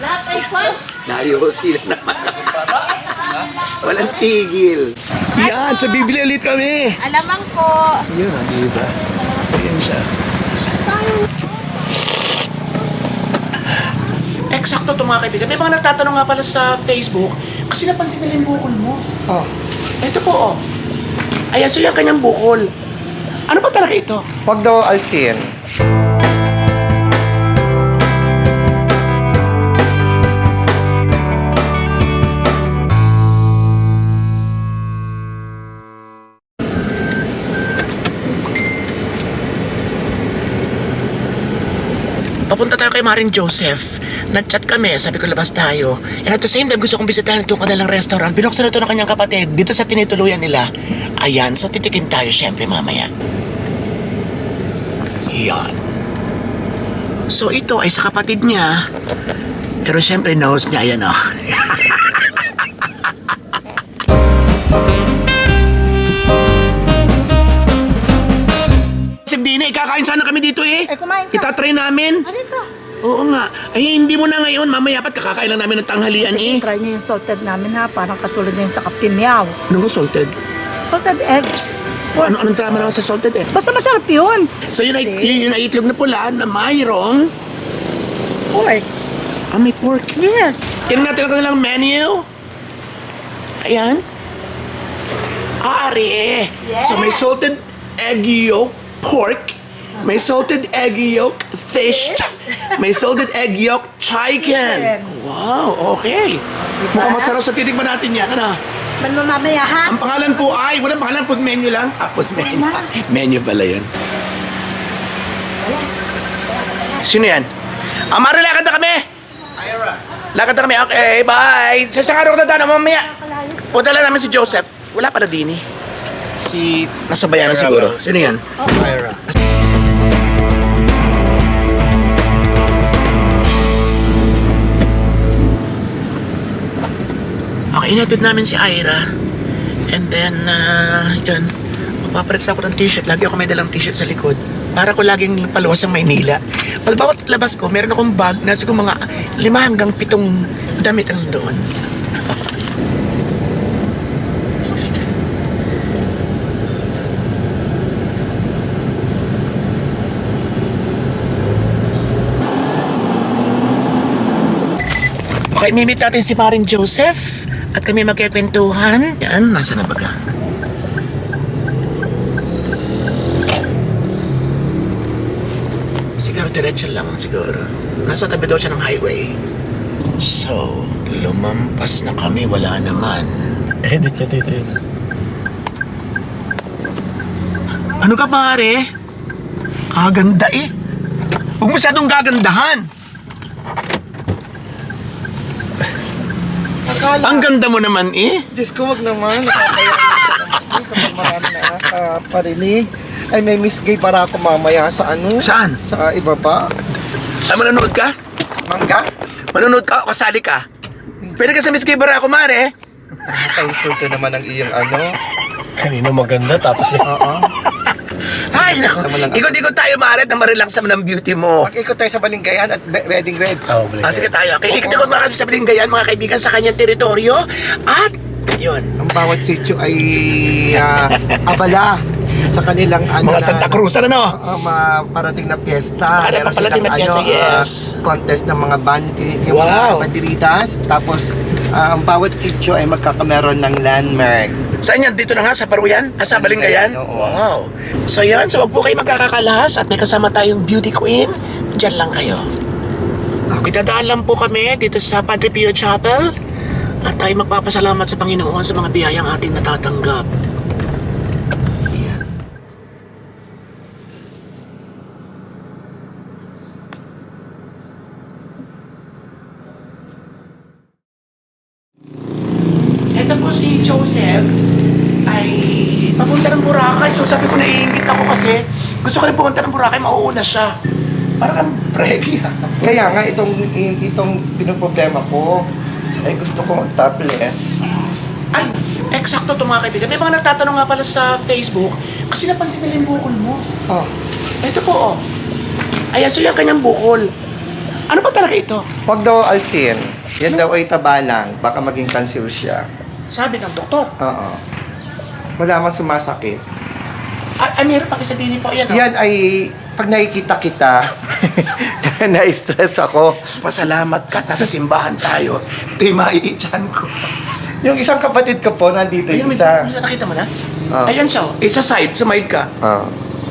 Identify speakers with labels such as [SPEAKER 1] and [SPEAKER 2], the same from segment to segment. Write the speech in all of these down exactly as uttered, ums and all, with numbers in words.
[SPEAKER 1] Lahat ay kwan.
[SPEAKER 2] Nayosin na naman. Walang tigil. Yan, sa Biblia ulit kami.
[SPEAKER 1] Alamang po.
[SPEAKER 2] Yan, di ba? Ayan siya. Eksakto to mga kaibigan. May mga nagtatanong nga pala sa Facebook, kasi napansin nila yung bukol mo. Oh. Ito po, oh. Ayan, so yung kanyang bukol. Ano ba talaga ito?
[SPEAKER 3] Huwag daw alsin.
[SPEAKER 2] Papunta tayo kay Maring Joseph. Nag-chat kami, sabi ko labas tayo. And at the same time, gusto kong bisitahin itong kanilang restaurant. Binuksan ito ng kanyang kapatid dito sa tinituluyan nila. Ayan, so titikin tayo syempre mamaya. Yan. So ito ay sa kapatid niya. Pero syempre knows niya, ayan o. Dini, kakain sana kami dito eh.
[SPEAKER 1] Eh, kumain ka.
[SPEAKER 2] Itatry namin.
[SPEAKER 1] Halika.
[SPEAKER 2] Oo nga. Ay, hindi mo na ngayon. Mamaya pat kakakain lang namin ng tanghalian eh.
[SPEAKER 1] Sige, try niyo yung salted namin ha. Parang katulad niya yung sa kapimyaw.
[SPEAKER 2] Ano ba salted?
[SPEAKER 1] Salted egg.
[SPEAKER 2] Ano, anong drama naman sa salted eh?
[SPEAKER 1] Basta masarap yun.
[SPEAKER 2] So yun ay, yun, yun ay itlog na pula na mayroong...
[SPEAKER 1] Pork.
[SPEAKER 2] Ah, may pork.
[SPEAKER 1] Yes.
[SPEAKER 2] Tingnan natin ang kanilang menu. Ayan. Ah, ari eh.
[SPEAKER 1] Yes.
[SPEAKER 2] So may salted egg yolk, pork. May salted egg yolk, fish. May salted egg yolk, chicken. Wow, okay. Mukhang masarap sa titikman natin yan, ano?
[SPEAKER 1] Man mo mamaya ha.
[SPEAKER 2] Ang pangalan po ay, walang pangalan, food menu lang. Ah, food menu. Menu pala yun. Sino yan? Amara, lakad na kami! Ira. Lakad na kami, okay, bye! Sa isang araw ko na mamaya. Punta lang namin si Joseph. Wala pala din eh.
[SPEAKER 3] Si...
[SPEAKER 2] Nasa bayanan siguro. Sino yan?
[SPEAKER 3] Ira.
[SPEAKER 2] Okay, inatid namin si Ira. And then, uh, yun. Magpapalit ako ng t-shirt. Lagi ako may dalang t-shirt sa likod. Para ko laging paluwas ang Maynila. Pag bawat labas ko, meron akong bag na siguro mga lima hanggang pitong damit ang doon. Okay, mimit natin si Maring Joseph at kami magkikwentuhan. Yan, nasa na baga? Siguro diretso lang siguro. Nasa tabi daw siya ng highway. So, lumampas na kami, wala naman.
[SPEAKER 3] Edit niya dito yun.
[SPEAKER 2] Ano ka pare? Kaganda eh. Huwag masyadong gagandahan.
[SPEAKER 3] Akala.
[SPEAKER 2] Ang ganda mo naman eh.
[SPEAKER 3] Diyos ko, wag naman. Nakakaya kapag marami na nakaparinig. Ay, may Miss Gay para ako mamaya sa ano?
[SPEAKER 2] Saan?
[SPEAKER 3] Sa iba pa.
[SPEAKER 2] Ay, manonood ka?
[SPEAKER 3] Mangga?
[SPEAKER 2] Manonood ka o kasali ka? Pwede ka sa Miss Gibara ako, mare.
[SPEAKER 3] Nakaka-insulto naman ang iyong ano.
[SPEAKER 4] Kanina maganda tapos
[SPEAKER 3] Oo.
[SPEAKER 2] Ay, nako.
[SPEAKER 3] Naman lang-
[SPEAKER 2] Ikot-ikot tayo, mare, na marelax naman ang beauty mo.
[SPEAKER 3] Mag-ikot tayo sa Balinggayan at be- wedding red.
[SPEAKER 4] Oh, balik.
[SPEAKER 2] Ah, sige tayo. Okay, ikot-ikot mga sa Balinggayan, mga kaibigan, sa kanyang teritoryo. At, yun.
[SPEAKER 3] Ang bawat sitio ay ah, abala sa kanilang ano
[SPEAKER 2] Mga
[SPEAKER 3] na-
[SPEAKER 2] Santa Cruz, ano no?
[SPEAKER 3] Oo, mga parating na piyesta.
[SPEAKER 2] Sa mga
[SPEAKER 3] Meron
[SPEAKER 2] paparating na
[SPEAKER 3] silang,
[SPEAKER 2] piyesta,
[SPEAKER 3] ano,
[SPEAKER 2] yes.
[SPEAKER 3] ah, contest ng mga bandi, yung
[SPEAKER 2] Wow.
[SPEAKER 3] mga banderitas. Tapos, ah, ang bawat sitio ay magkakameron ng landmark.
[SPEAKER 2] Saan yan? Dito na nga, sa Paruyan? Ah, sa Balinggayan?
[SPEAKER 3] Oo.
[SPEAKER 2] Wow. So yan, so wag po kayo magkakakalahas at may kasama tayong beauty queen. Diyan lang kayo. Okay, dadaan lang po kami dito sa Padre Pio Chapel. At tayo magpapasalamat sa Panginoon sa mga biyayang ating natatanggap. Ayan. Ito po si Joseph ay papunta ng Boracay. So sabi ko, naiingit ako kasi gusto ko rin pumunta ng Boracay, mauuna siya. Parang kang pregi.
[SPEAKER 3] Kaya nga, itong, itong pinoproblema ko, ay gusto ko mag-topless.
[SPEAKER 2] Ay, eksakto to mga kaibigan. May mga nagtatanong nga pala sa Facebook kasi napansin nila yung bukol mo.
[SPEAKER 3] Oh.
[SPEAKER 2] Ito po, oh. Ayan, so yung kanyang bukol. Ano ba talaga ito?
[SPEAKER 3] Huwag daw alsin. Yan daw ay tabalang. Baka maging cancer siya.
[SPEAKER 2] Sabi ng doktor.
[SPEAKER 3] Oo. Wala mang sumasakit.
[SPEAKER 2] Ay, ay meron pa kasi din po yan. Oh.
[SPEAKER 3] Yan ay, pag nakikita kita, na-stress ako.
[SPEAKER 2] Pasalamat ka, nasa simbahan tayo. Ito yung maiichan ko.
[SPEAKER 3] Yung isang kapatid ko po, nandito
[SPEAKER 2] Ayun,
[SPEAKER 3] yung
[SPEAKER 2] may,
[SPEAKER 3] isa.
[SPEAKER 2] may, nakita mo na?
[SPEAKER 3] Oh.
[SPEAKER 2] Ayan siya. oh. Isa side, sumide ka.
[SPEAKER 3] Oo.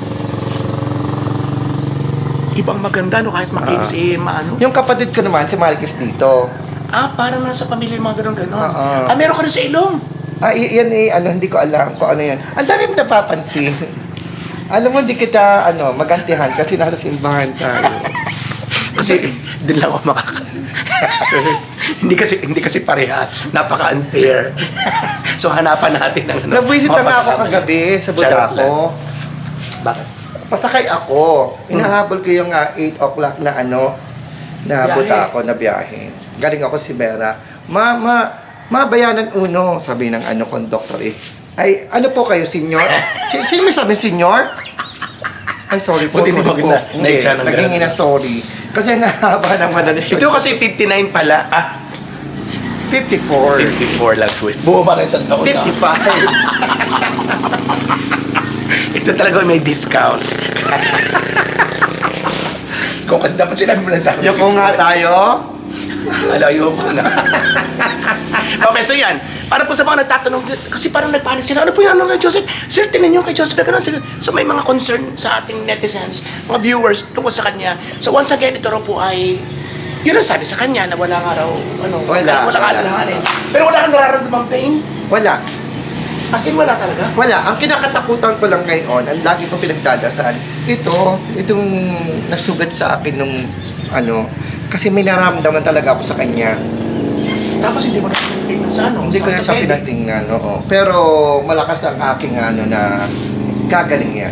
[SPEAKER 2] Ibang maganda no kahit makinis eh, maano.
[SPEAKER 3] Yung kapatid ko naman, si Marcus dito.
[SPEAKER 2] Ah, parang nasa pamilya yung mga ganun-ganun.
[SPEAKER 3] Oo.
[SPEAKER 2] Ah, meron ka rin sa ilong.
[SPEAKER 3] Ah, y- yan eh, ano, hindi ko alam kung ano yan. Ang dami mo napapansin. Alam mo, hindi kita, ano, magantihan kasi nasa simbahan tayo.
[SPEAKER 2] Kasi din lang ako makaka... hindi kasi hindi kasi parehas. Napaka-unfair. So hanapan natin ng ano.
[SPEAKER 3] Nabwisit na nga ako
[SPEAKER 2] mapagkamali.
[SPEAKER 3] kagabi sa
[SPEAKER 2] Charot lang.
[SPEAKER 3] Budako.
[SPEAKER 2] Bakit?
[SPEAKER 3] Pasakay ako. Inahabol ko yung ah, eight o'clock na ano, na
[SPEAKER 2] Biyahe.
[SPEAKER 3] Budako na biyahe. Galing ako si Vera. Ma, ma, ma, bayanan uno, sabi ng ano, conductor eh. Ay, ano po kayo, senior? Si- Sino may sabi, senior? Ay, sorry po.
[SPEAKER 2] Buti hindi
[SPEAKER 3] sorry
[SPEAKER 2] mo
[SPEAKER 3] po.
[SPEAKER 2] na- naitsa ng
[SPEAKER 3] naging
[SPEAKER 2] ganun.
[SPEAKER 3] ina sorry. Kasi nahaba naman na
[SPEAKER 2] Ito kasi fifty-nine pala. Ah,
[SPEAKER 3] fifty-four.
[SPEAKER 2] fifty-four lang po. Buo ba kayo sa taon na?
[SPEAKER 3] fifty-five.
[SPEAKER 2] Ito talaga may discount. Kung kasi dapat sinabi mo na sa akin.
[SPEAKER 3] Yung kung nga tayo,
[SPEAKER 2] Alayo ko na. Okay, so yan. Para po sa mga nagtatanong, kasi parang nagpanik sila, ano po yung ano na Joseph? Sir, tingnan nyo kay Joseph, gano'n sila. So may mga concern sa ating netizens, mga viewers tungkol sa kanya. So once again, ito raw po ay, yun ang sabi sa kanya na wala nga raw, ano,
[SPEAKER 3] Wala,
[SPEAKER 2] wala ka
[SPEAKER 3] wala.
[SPEAKER 2] alalahanin. Pero wala kang nararamdamang pain?
[SPEAKER 3] wala.
[SPEAKER 2] As in, wala talaga?
[SPEAKER 3] Wala. Ang kinakatakutan ko lang ngayon, ang lagi ko pinagdadasal, ito, itong nasugat sa akin nung, ano, kasi may naramdaman talaga ako sa kanya.
[SPEAKER 2] Tapos hindi mo na pinatingnan sa ano?
[SPEAKER 3] Hindi ko na siya
[SPEAKER 2] orthopedic.
[SPEAKER 3] pinatingnan, oo. Pero malakas ang aking ano na gagaling yan.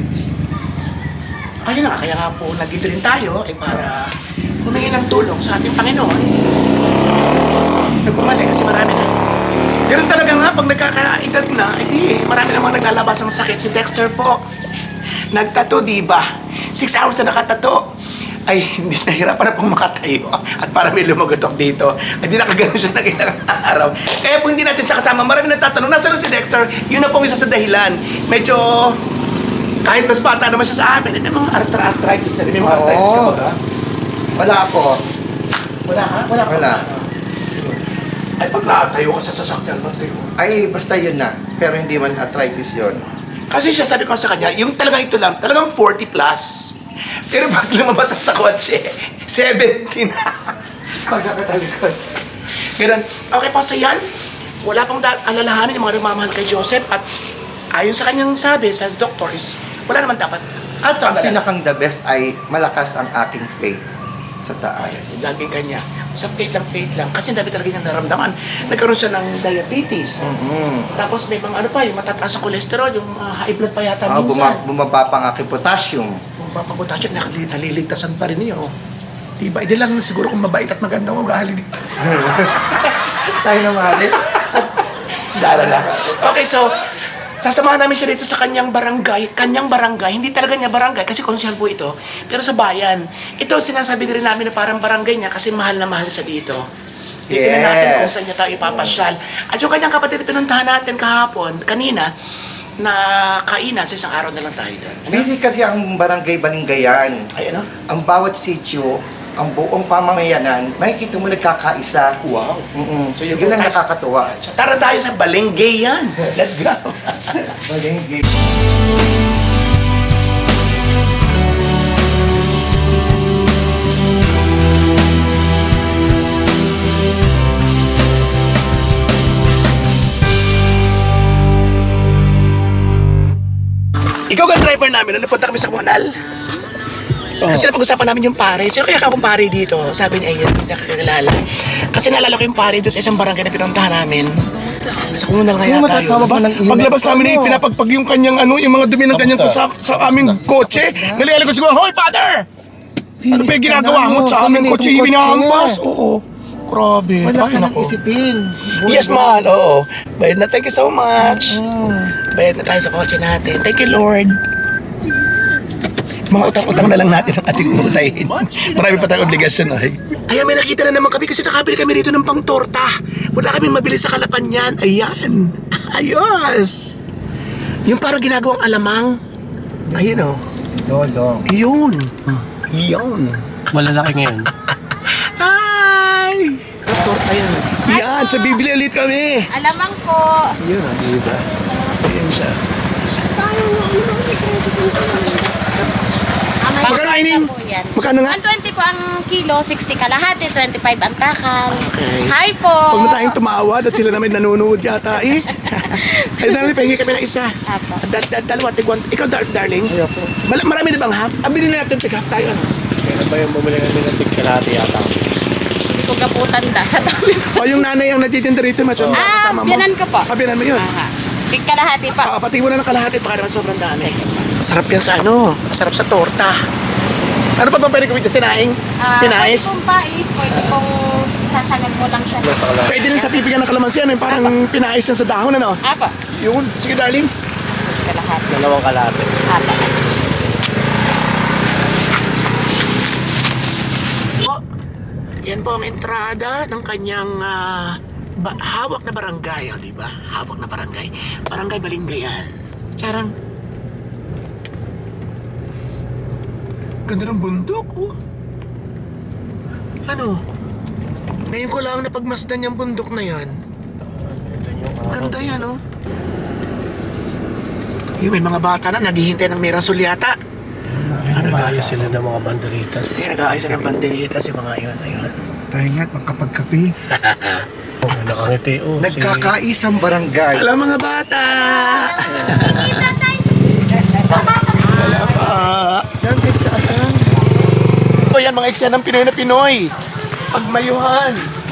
[SPEAKER 2] Ayun na, kaya nga po, nandito rin tayo, eh para humingi ng tulong sa ating Panginoon. Nagpumali kasi marami na. Ganun talaga nga, pag nagkakaedad na, eh di, marami namang naglalabas ng sakit. Si Dexter po, nagtato, di ba? Six hours na nakatato. Ay, hindi nahirapan na pong makatayo. At para may lumagotok dito, ay di nakaganon siya ng ilang araw. Kaya po hindi natin siya kasama. Marami nagtatanong, nasa na si Dexter? Yun na pong isa sa dahilan. Medyo, kahit mas bata naman siya sa amin, may mga arth- arthritis na rin. May mga arthritis ka
[SPEAKER 3] Oo.
[SPEAKER 2] ba ka?
[SPEAKER 3] Wala ako.
[SPEAKER 2] Wala ka? Wala ka?
[SPEAKER 3] Wala.
[SPEAKER 2] Ay, pag nakatayo ka sa sasakyan, ba't kayo?
[SPEAKER 3] Ay, basta yun na. Pero hindi man arthritis yun.
[SPEAKER 2] Kasi siya sabi ko sa kanya, yung talagang ito lang, talagang forty plus. Pero pag lumabas sa kotse, seventeen na. Pagkakatalikod. Ganun. Okay pa sa yan, wala pang da- alalahanin yung mga nagmamahal kay Joseph at ayon sa kanyang sabi sa doctor is, wala naman dapat.
[SPEAKER 3] At ang
[SPEAKER 2] Pag-alala.
[SPEAKER 3] pinakang the best ay malakas ang aking faith sa taas.
[SPEAKER 2] Laging kanya. Sa faith lang, faith lang. Kasi dami talaga niyang naramdaman. Nagkaroon siya ng diabetes.
[SPEAKER 3] Mm-hmm.
[SPEAKER 2] Tapos may mga ano pa, yung matataas sa cholesterol, yung uh, high blood pa yata
[SPEAKER 3] Ah,
[SPEAKER 2] minsan.
[SPEAKER 3] buma- bumaba pa ang aking potassium.
[SPEAKER 2] Kung papapunta siya, nakali- naliligtasan pa rin niyo. Diba? Hindi lang siguro kung mabait at maganda ang ugali dito.
[SPEAKER 3] Tayo naman eh.
[SPEAKER 2] Dara lang. Okay, so, sasamahan namin siya dito sa kanyang barangay. Kanyang barangay, hindi talaga niya barangay kasi konsyal po ito. Pero sa bayan, ito sinasabi din namin na parang barangay niya kasi mahal na mahal sa dito. Titignan
[SPEAKER 3] Yes.
[SPEAKER 2] natin kung saan niya tayo ipapasyal. At yung kanyang kapatid na pinuntahan natin kahapon, kanina, na kainan, sa isang araw na lang tayo doon. Ano?
[SPEAKER 3] Busy kasi ang barangay Balinggayan.
[SPEAKER 2] Ay, ano?
[SPEAKER 3] Ang bawat sitio, ang buong pamamayanan, makikita mo nagkakaisa.
[SPEAKER 2] Wow.
[SPEAKER 3] Mm-mm.
[SPEAKER 2] So, yung
[SPEAKER 3] Yun ang
[SPEAKER 2] tayo-
[SPEAKER 3] nakakatuwa.
[SPEAKER 2] So, tara tayo sa Balengay yan. Let's go.
[SPEAKER 3] Balingay.
[SPEAKER 2] Ikaw ang driver namin nung napunta kami sa Kuanal. Kasi napag-usapan namin yung pare. Sino kaya ka akong pare dito? Sabi niya, ayun, hindi nakakilala. Kasi naalala ko yung pare doon sa isang barangay na pinuntahan namin. Sa Kuanal kaya
[SPEAKER 3] Kung
[SPEAKER 2] tayo.
[SPEAKER 3] matatawa ba ng iyon?
[SPEAKER 5] Paglabas namin eh, pinapagpag yung kanyang ano, yung mga dumi ng kanyang sa, sa aming kotse. Nalialig ko siguro, Hoy, father! Ano ba yung ginagawa mo sa aming kotse? Ibinahampas? Oo. Grabe.
[SPEAKER 3] Wala
[SPEAKER 5] Ay,
[SPEAKER 3] ka nang
[SPEAKER 5] nako.
[SPEAKER 3] isipin.
[SPEAKER 2] Yes, mahal. Oo. Bayad na. Thank you so much. Bayad na tayo sa kotse natin. Thank you, Lord.
[SPEAKER 5] Mga utang-utang na lang natin ang ating utahin. Marami pa tayong obligasyon ay. Ayan, may nakita na naman kami kasi nakabili kami rito ng pang-torta. Wala kaming mabili sa Kalapan yan. Ayan. Ayos. Yung parang ginagawang alamang. Ayun o.
[SPEAKER 3] Dodong.
[SPEAKER 5] Yun. Yun.
[SPEAKER 4] Malalaki ngayon.
[SPEAKER 5] Ay! Torta yan. Yan, sa bibili ulit kami.
[SPEAKER 6] Alamang po.
[SPEAKER 5] Yun, ah, di ba? Ayan siya. Magkano kainin?
[SPEAKER 6] Po yan.
[SPEAKER 5] Magkano nga?
[SPEAKER 6] one twenty po ang kilo, sixty kalahati, twenty-five ang takal.
[SPEAKER 5] Okay.
[SPEAKER 6] Hi po.
[SPEAKER 5] Huwag na tayong tumawad at sila namin nanonood yata eh. Ay, darling, pahingi kami ng isa.
[SPEAKER 6] Apo.
[SPEAKER 5] Da, da, dalawa, tigwan. Ikaw, dar, darling.
[SPEAKER 3] Ayoko.
[SPEAKER 5] Mal- marami na bang half? Ah, bilhin na natin tig-half tayo. Ano?
[SPEAKER 4] Kailan ba yung bumili kami ng tigkalati yata?
[SPEAKER 6] Hindi ko gaputan da sa dami po.
[SPEAKER 5] O yung nanay ang natitinda rito, macho.
[SPEAKER 6] Ah,
[SPEAKER 5] kasama mo.
[SPEAKER 6] biyanan ko po.
[SPEAKER 5] Ah, biyanan mo yun.
[SPEAKER 6] Aha. Tig kalahati pa.
[SPEAKER 5] Ah, pati mo na ng kalahati, baka naman sobrang dami. Masarap yan sa ano, masarap sa torta. Ano pa ba pwede gawin sa sinaing?
[SPEAKER 6] Ah,
[SPEAKER 5] Pinais?
[SPEAKER 6] Pwede pong pais, pwede pong sasangag mo lang siya.
[SPEAKER 5] Pwede rin sa pipigan ng kalamansi, ano, yung parang pinais yan sa dahon, ano?
[SPEAKER 6] Apo.
[SPEAKER 5] Yun, sige darling.
[SPEAKER 6] Kalahati.
[SPEAKER 4] Dalawang kalati.
[SPEAKER 6] Apo.
[SPEAKER 2] Po, yan po ang entrada ng kanyang ah, ba- hawak na barangay, oh, di ba? Hawak na barangay. Barangay Balingayan. Charang.
[SPEAKER 5] Ganda ng bundok, oh.
[SPEAKER 2] Ano? Ngayon ko lang napagmasdan yung bundok na yan. Ganda yan, oh. Yung may mga bata na naghihintay ng Mirasol yata.
[SPEAKER 4] Ano ba sila ng mga banderitas?
[SPEAKER 2] Kaya nag-aayos na ng banderitas yung mga yun, ayun.
[SPEAKER 3] Tayo nga't magkapagkape.
[SPEAKER 4] Oh, nakangiti oh.
[SPEAKER 3] Nagkakaisang barangay.
[SPEAKER 5] Hello mga bata! Wala pa.
[SPEAKER 3] Yan, kahit sa asan.
[SPEAKER 5] O yan, mga eksena ng Pinoy na Pinoy. Pagmayuhan.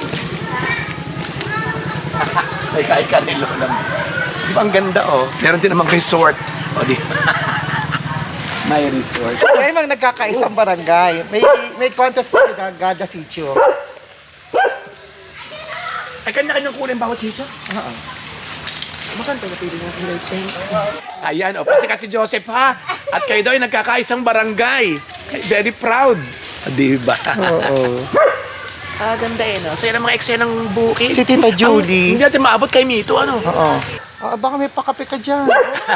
[SPEAKER 5] Ay, kahit kanilo lang. Di ba ang ganda, oh? Meron din namang resort. O, di may resort.
[SPEAKER 3] Kaya mang nagkakaisang barangay. May may contest pa si Gada Sitio.
[SPEAKER 5] Ay, kanya-kanyang kulay bawat sitio? Oo. Makanta na pwede natin lighting. Ayan, o, pasikat si Joseph, ha? At kayo daw ay nagkakaisang barangay. Very proud. Di ba?
[SPEAKER 3] Oo.
[SPEAKER 2] Ah, ganda eh, no? So yan ang mga eksena ng bukid.
[SPEAKER 3] Si Tita Julie.
[SPEAKER 2] Ang- hindi natin maabot kay Mito, ano?
[SPEAKER 3] Oo. Ah, baka may pakape ka dyan.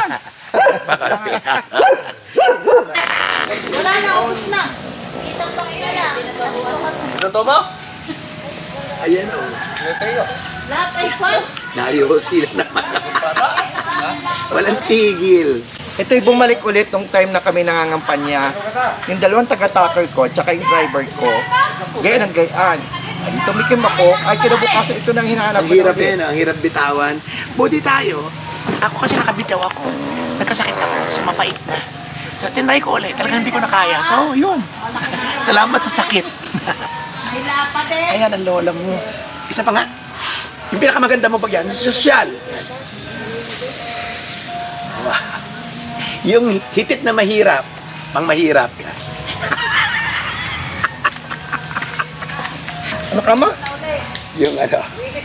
[SPEAKER 6] Wala na, ubus na. Isang pakita na.
[SPEAKER 5] Totoo mo? Ayan, o.
[SPEAKER 6] Lahat ay kwan.
[SPEAKER 5] Nayosi na naman. Walang tigil.
[SPEAKER 3] Ito'y bumalik ulit nung time na kami nangangampanya. Yung dalawang taga-tucker ko, tsaka yung driver ko, gayan ang gayaan. Ay, tumikim ako, ay kinabukasan ito nang hinahanap
[SPEAKER 5] Ang
[SPEAKER 3] ko
[SPEAKER 5] hirap
[SPEAKER 3] ulit.
[SPEAKER 5] yan, ang hirap bitawan.
[SPEAKER 2] Buti tayo. Ako kasi nakabitaw ako. Nagkasakit ako sa mapait na. So, tinry ko ulit. Talagang hindi ko na kaya. So, yun. Salamat sa sakit.
[SPEAKER 6] May lapa din.
[SPEAKER 2] Ayan ang lola mo. Isa pa nga. Yung pinakamaganda mo pag yan, sosyal. Wow. Yung hitit na mahirap, pang mahirap ka.
[SPEAKER 3] Ano ka ma?
[SPEAKER 2] Yung ano.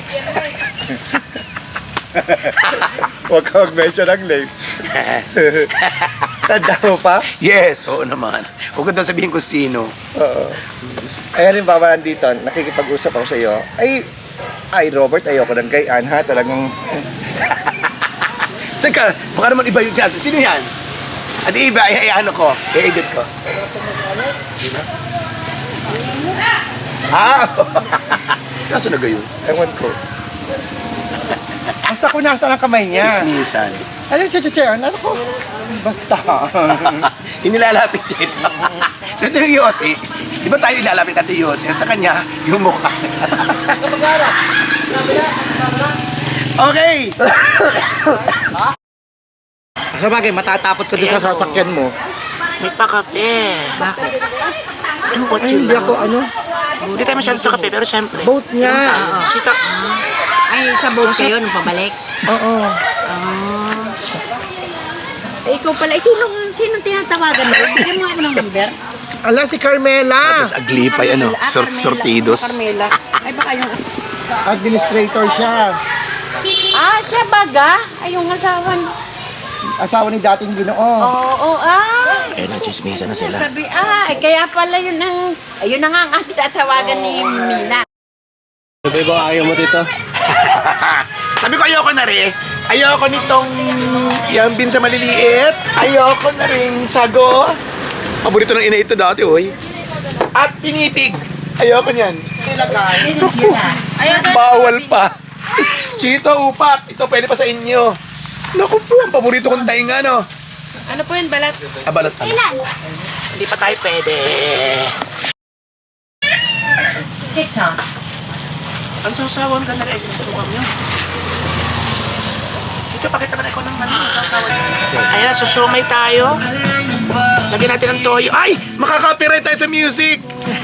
[SPEAKER 3] Huwag ka mag-mention ng name. Tanda mo pa?
[SPEAKER 2] Yes, oo naman. Huwag ko daw sabihin kung sino.
[SPEAKER 3] Oo. Ay, halimbawa nandito, nakikipag-usap ako sa iyo. Ay, ay Robert, ayoko ng gayaan ha. Talagang,
[SPEAKER 2] Saka, baka naman iba yung siya. Sino yan? At iba, ay, ay ano ko, i-edit ko. Sino? Ah! Kaso na gayon?
[SPEAKER 3] ewan ko. Basta kung nasaan ang kamay niya.
[SPEAKER 2] Chismisan.
[SPEAKER 3] Ano siya, siya, siya? Ano ko? Basta.
[SPEAKER 2] Inilalapit niya ito. So ito yung Yossi. Di ba tayo ilalapit natin yung Yossi? Sa kanya, yung mukha. Okay!
[SPEAKER 3] Sa bagay, matatapot ko doon sa sasakyan mo.
[SPEAKER 2] May pakape. Bakit? Do what
[SPEAKER 3] Ay,
[SPEAKER 2] you
[SPEAKER 3] hindi
[SPEAKER 2] love.
[SPEAKER 3] ako ano.
[SPEAKER 2] Hindi tayo masyado sa kape, pero syempre.
[SPEAKER 3] Boat nga.
[SPEAKER 2] Sita.
[SPEAKER 7] Ay, sa boat kayo nung pabalik?
[SPEAKER 3] Oo.
[SPEAKER 7] Eh, ikaw pala, eh, sino, sino tinatawagan mo? Bigyan mo ako ng number.
[SPEAKER 3] Ala, si Carmela.
[SPEAKER 2] Tapos aglipay, ano,
[SPEAKER 7] Ah,
[SPEAKER 2] sor
[SPEAKER 7] Carmela.
[SPEAKER 2] sortidos.
[SPEAKER 7] Carmela. Ay, baka yung...
[SPEAKER 3] Administrator siya.
[SPEAKER 7] Ah, siya baga? Ay, yung asawa niya.
[SPEAKER 3] Asawa ni dating ginoo.
[SPEAKER 7] Oo, oh, ay.
[SPEAKER 2] Ayun, nagchismisa na sila.
[SPEAKER 7] Sabi, ah, kaya pala yun ang, ayun na nga ang ating tatawagan ni Mina.
[SPEAKER 4] Ano ba yung ayaw mo dito?
[SPEAKER 2] Sabi ko ayoko na rin. Ayoko nitong yambin sa maliliit. Ayoko na rin sago. Paborito ng ina ito dati, oy. At pinipig. Ayoko niyan. Bawal pa. Chito, upak. Ito pwede pa sa inyo. Naku po, ang paborito kong tainga, no?
[SPEAKER 6] Ano po yun, balat?
[SPEAKER 2] Ah, balot ano? Hindi pa tayo pwede.
[SPEAKER 6] Chicha.
[SPEAKER 2] Ang sausawan ka na rin. Susukam nyo. Ito, pakita mo na ikaw ng ano, sausawan. Ayan na, so siomay tayo. Lagyan natin ng toyo. Ay! Makaka-copyright tayo sa music!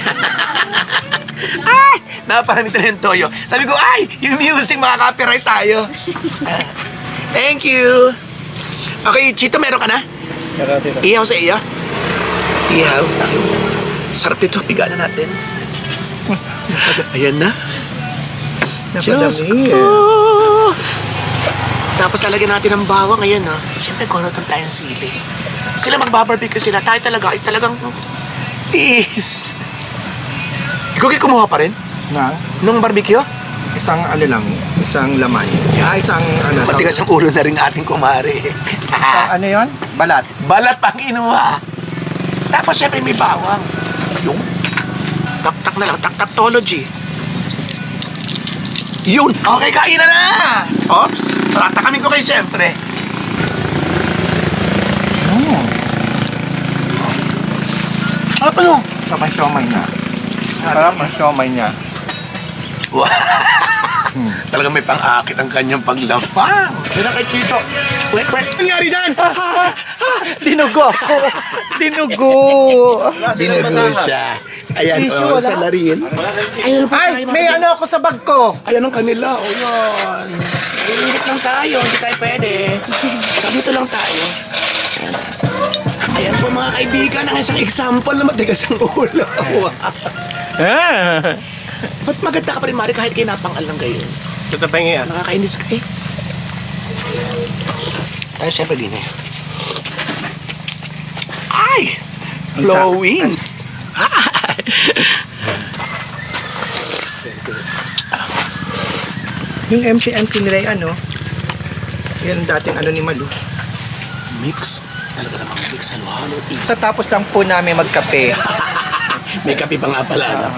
[SPEAKER 2] Ay! Naparamit na yung toyo. Sabi ko, ay! Yung music, makaka-copyright tayo. Thank you! Okay, Chito, meron ka na?
[SPEAKER 4] Meron dito.
[SPEAKER 2] Ihaw sa iyo. Ihaw. Sarap nito, pigaan na natin. Ayan na. Diyos ko! Tapos lalagyan natin ng bawang. Ayan, no? Siyempre, korotan tayong sili. Sila magbabarbecue sila. Tayo talaga, ay talagang tiis. Ikaw kayo kumuha pa rin?
[SPEAKER 3] Na?
[SPEAKER 2] Nung barbecue?
[SPEAKER 3] Isang ano lang, isang laman. Ah, isang ano.
[SPEAKER 2] Matigas ang ulo na rin ating kumari.
[SPEAKER 3] Isang ano yon? Balat.
[SPEAKER 2] Balat pang inuha. Tapos syempre may bawang. Yung tak-tak na lang, tak-taktology. Yun! Okay, kain na na! Ops! Tatakamin ko kayo syempre.
[SPEAKER 3] Mm.
[SPEAKER 2] Ano pa yun?
[SPEAKER 3] Sarap ang siomay niya. Sarap ang siomay niya.
[SPEAKER 2] Wow! Talagang may pang-akit ang kanyang paglapang. Yun ang kay Chito. Wait, wait. Ano nangyari dyan?
[SPEAKER 3] Dinugo ako. Dinugo.
[SPEAKER 2] Dinugo siya. Ayan,
[SPEAKER 3] Tissue,
[SPEAKER 2] oh,
[SPEAKER 3] wala.
[SPEAKER 2] sa larin. Ayan pa
[SPEAKER 3] Ay, may ano ako sa bag ko.
[SPEAKER 2] Ayan ang kanila. O yun. Iinit lang tayo. Hindi tayo pwede. Dito lang tayo. Ayan. Ayan po mga kaibigan. Ang isang example na matigas ang ulo. Wow. Ba't maganda ka pa rin, Mari, kahit kayo napangal lang kayo?
[SPEAKER 4] Ito pa yung yan.
[SPEAKER 2] Nakakainis ka eh. Ay, syempre din eh. Ay! Flowing!
[SPEAKER 3] Yung M C M C nila yung ano, yan ang dating ano ni Malu.
[SPEAKER 2] Mix. Talaga namang mix. Halo-halo. eh.
[SPEAKER 3] Tatapos lang po namin magkape.
[SPEAKER 2] May kape pa nga pala. No?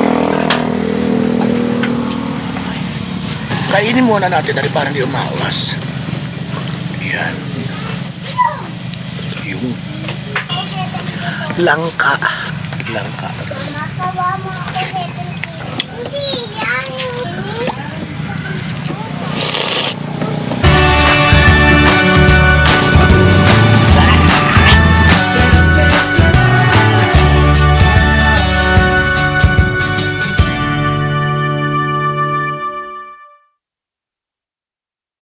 [SPEAKER 2] Kainin muna natin na rin para hindi umawas. Yan. Yung langka. Langka.